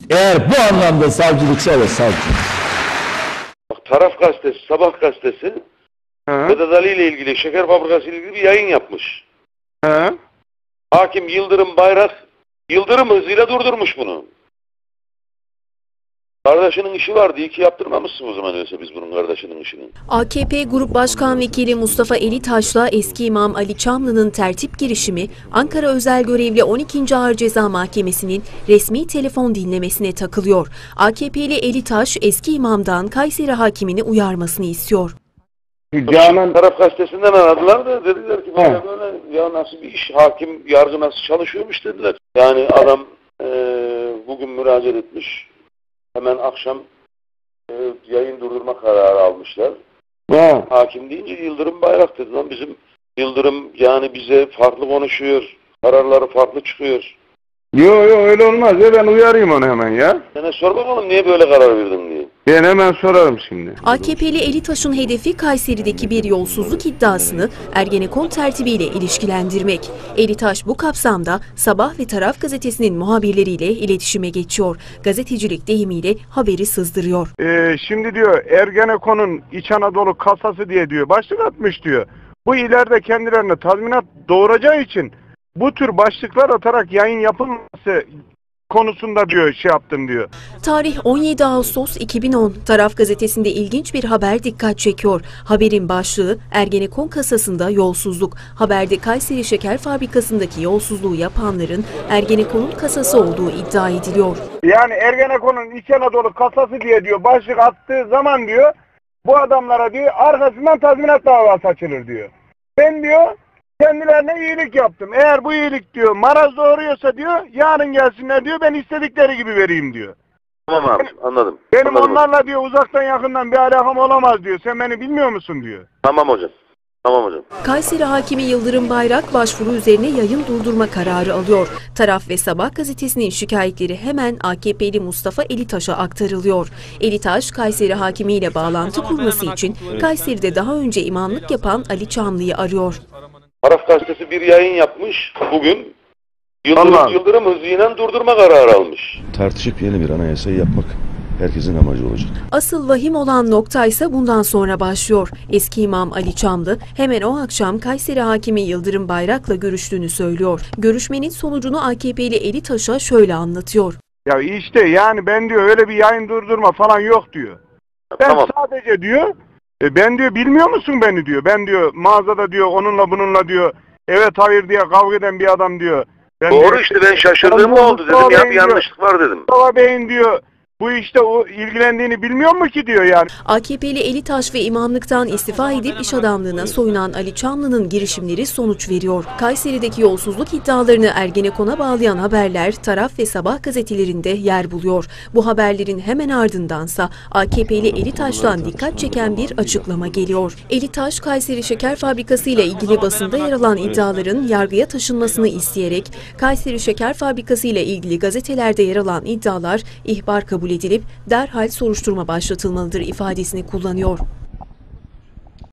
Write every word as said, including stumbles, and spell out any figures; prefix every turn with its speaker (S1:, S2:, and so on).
S1: Eğer bu anlamda savcılıksa evet savcı.
S2: Bak, Taraf Gazetesi, Sabah Gazetesi
S3: He.
S2: Vedat Ali ile ilgili, şeker fabrikası ile ilgili bir yayın yapmış.
S3: He.
S2: Hakim Yıldırım Bayrak, Yıldırım hızıyla durdurmuş bunu. Kardeşinin işi vardı, iyi ki yaptırmamışsın o zaman öyleyse biz bunun kardeşinin işini.
S4: A K P Grup Başkan Vekili Mustafa Elitaş'la eski imam Ali Çamlı'nın tertip girişimi Ankara Özel Görevli on ikinci Ağır Ceza Mahkemesi'nin resmi telefon dinlemesine takılıyor. A K P'li Elitaş eski imamdan Kayseri hakimini uyarmasını istiyor.
S3: Canan
S2: Taraf Gazetesi'nden aradılar da dediler ki böyle böyle ya nasıl bir iş, hakim yargı nasıl çalışıyormuş dediler. Yani adam e, bugün müracaat etmiş. Hemen akşam e, yayın durdurma kararı almışlar.
S3: He.
S2: Hakim deyince Yıldırım Bayrak dedi lan, bizim Yıldırım yani bize farklı konuşuyor. Kararları farklı çıkıyor.
S3: Yo yo öyle olmaz ya, ben uyarayım onu hemen ya.
S2: Sana sor bakalım niye böyle karar verdin diye.
S3: Ben hemen sorarım şimdi.
S4: A K P'li Elitaş'ın hedefi Kayseri'deki bir yolsuzluk iddiasını Ergenekon tertibiyle ilişkilendirmek. Elitaş bu kapsamda Sabah ve Taraf gazetesinin muhabirleriyle iletişime geçiyor. Gazetecilik deyimiyle haberi sızdırıyor.
S3: Ee, şimdi diyor Ergenekon'un İç Anadolu kasası diye diyor başlık atmış diyor. Bu ileride kendilerine tazminat doğuracağı için bu tür başlıklar atarak yayın yapılması konusunda diyor şey yaptım diyor.
S4: Tarih on yedi Ağustos iki bin on. Taraf gazetesinde ilginç bir haber dikkat çekiyor. Haberin başlığı Ergenekon kasasında yolsuzluk. Haberde Kayseri Şeker Fabrikası'ndaki yolsuzluğu yapanların Ergenekon'un kasası olduğu iddia ediliyor.
S3: Yani Ergenekon'un İç Anadolu kasası diye diyor başlık attığı zaman diyor bu adamlara diyor arkasından tazminat davası açılır diyor. Ben diyor kendilerine iyilik yaptım. Eğer bu iyilik diyor maraz doğuruyorsa diyor yarın gelsinler diyor ben istedikleri gibi vereyim diyor.
S2: Tamam abi, anladım.
S3: Benim
S2: Anladım.
S3: onlarla diyor uzaktan yakından bir alakam olamaz diyor. Sen beni bilmiyor musun diyor.
S2: Tamam hocam. Tamam hocam.
S4: Kayseri Hakimi Yıldırım Bayrak başvuru üzerine yayın durdurma kararı alıyor. Taraf ve Sabah gazetesinin şikayetleri hemen A K P'li Mustafa Elitaş'a aktarılıyor. Elitaş, Kayseri Hakimi ile bağlantı kurması için Kayseri'de daha önce imamlık yapan Ali Çamlı'yı arıyor.
S2: Taraf Gazetesi bir yayın yapmış bugün. Yıldırım,
S3: Allah.
S2: Yıldırım hızıyla durdurma kararı almış.
S5: Tartışıp yeni bir anayasayı yapmak herkesin amacı olacak.
S4: Asıl vahim olan nokta ise bundan sonra başlıyor. Eski imam Ali Çamlı hemen o akşam Kayseri Hakimi Yıldırım Bayrak'la görüştüğünü söylüyor. Görüşmenin sonucunu A K P'li Elitaş'a şöyle anlatıyor.
S3: Ya işte yani ben diyor öyle bir yayın durdurma falan yok diyor. Ben
S2: Tamam.
S3: sadece diyor e, ben diyor bilmiyor musun beni diyor. Ben diyor mağazada diyor onunla bununla diyor evet hayır diye kavga eden bir adam diyor. Ben
S2: Doğru
S3: diyor,
S2: işte, ben şaşırdığım
S3: Mustafa
S2: oldu dedim ya, bir
S3: Bey'in diyor,
S2: yanlışlık var dedim.
S3: Mustafa Bey'in diyor bu işte o ilgilendiğini bilmiyor mu ki diyor yani.
S4: A K P'li Elitaş ve imamlıktan istifa edip iş adamlığına soyunan Ali Çamlı'nın girişimleri sonuç veriyor. Kayseri'deki yolsuzluk iddialarını Ergenekon'a bağlayan haberler Taraf ve Sabah gazetelerinde yer buluyor. Bu haberlerin hemen ardındansa A K P'li Elitaş'tan dikkat çeken bir açıklama geliyor. Elitaş, Kayseri Şeker Fabrikası ile ilgili basında yer alan iddiaların yargıya taşınmasını isteyerek Kayseri Şeker Fabrikası ile ilgili gazetelerde yer alan iddialar ihbar kabul edilip derhal soruşturma başlatılmalıdır ifadesini kullanıyor.